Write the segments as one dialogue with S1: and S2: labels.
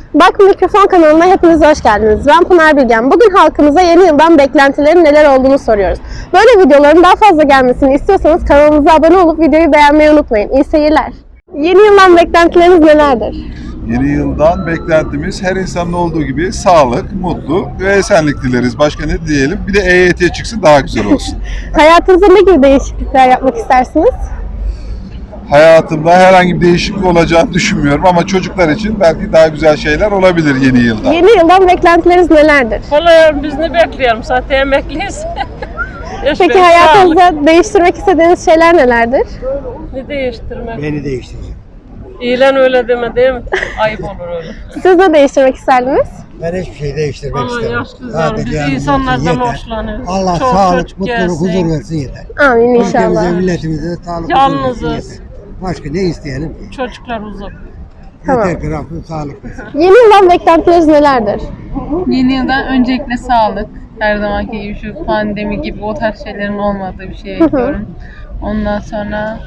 S1: Bak Mikrofon kanalına hepiniz hoş geldiniz. Ben Pınar Bilgen. Bugün halkımıza yeni yıldan beklentilerin neler olduğunu soruyoruz. Böyle videoların daha fazla gelmesini istiyorsanız kanalımıza abone olup videoyu beğenmeyi unutmayın. İyi seyirler. Yeni yıldan beklentileriniz nelerdir?
S2: Yeni yıldan beklentimiz her insanın olduğu gibi sağlık, mutluluk ve esenlik dileriz. Başka ne diyelim? Bir de EYT çıksın daha güzel olsun.
S1: Hayatınızda ne gibi değişiklikler yapmak istersiniz?
S2: Hayatımda herhangi bir değişiklik olacağını düşünmüyorum ama çocuklar için belki daha güzel şeyler olabilir yeni yılda.
S1: Yeni yıldan beklentileriniz nelerdir?
S3: Vallahi biz ne bekliyorum zaten emekliyiz.
S1: Peki hayatınızda değiştirmek istediğiniz şeyler nelerdir?
S3: Ne değiştirmek?
S4: Beni değiştirecek.
S3: İlan öyle deme değil mi? Ayıp olur öyle.
S1: Siz ne değiştirmek isterdiniz?
S4: Ben hiçbir şey değiştirmek
S3: Ama
S4: istemem.
S3: yaşlılar, biz
S4: yalnız
S3: insanlardan
S4: olsun, yeter.
S3: hoşlanıyoruz.
S4: Allah
S3: Çok
S4: sağlık,
S3: çocuk
S4: mutluluk,
S3: gelsin.
S4: huzur versin yeter.
S1: Amin
S4: Ülkemize,
S1: inşallah.
S4: milletimize sağlık,
S3: Yalnızız.
S4: huzur versin yeter. Başka ne isteyelim ki?
S3: Çocuklar uzak.
S1: Tamam.
S4: Yeter ki Rabbim sağlık versin.
S1: Yeni yıldan beklentileriniz nelerdir?
S5: Yeni yıldan öncelikle sağlık. Her zamanki gibi şu pandemi gibi o tarz şeylerin olmadığı bir şey bekliyorum. Ondan sonra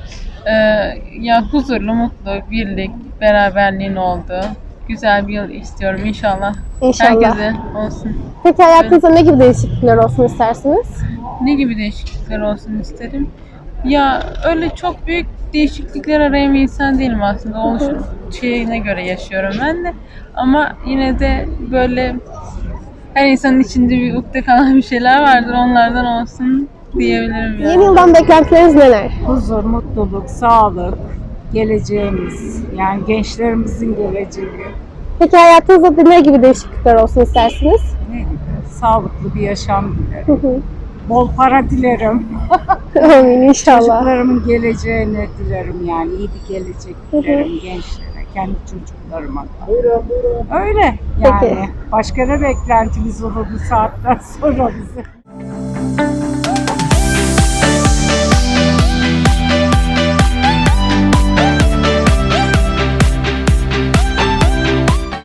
S5: ya huzurlu, mutlu, birlik, beraberliğin olduğu güzel bir yıl istiyorum inşallah.
S1: İnşallah.
S5: Herkese olsun.
S1: Peki hayatınızda ne gibi değişiklikler olsun istersiniz?
S5: Ne gibi değişiklikler olsun isterim? Ya öyle çok büyük değişiklikler arayan bir insan değilim aslında. Oluşum şeyine göre yaşıyorum ben de. Ama yine de böyle her insanın içinde bir ukde kalan bir şeyler vardır. Onlardan olsun diyebilirim yani.
S1: Yeni yıldan beklentileriniz neler?
S6: Huzur, mutluluk, sağlık, geleceğimiz, yani gençlerimizin geleceği,
S1: Peki hayatınızda ne gibi değişiklikler olsun istersiniz?
S6: ne gibi, sağlıklı bir yaşam dilerim.
S1: Hı hı.
S6: Bol para dilerim.
S1: Amin inşallah.
S6: Çocuklarımın geleceğini dilerim, yani iyi bir gelecek dilerim gençlere, kendi çocuklarıma da. Öyle yani.
S1: Peki.
S6: Başka ne beklentimiz olur bu saatten sonra bize?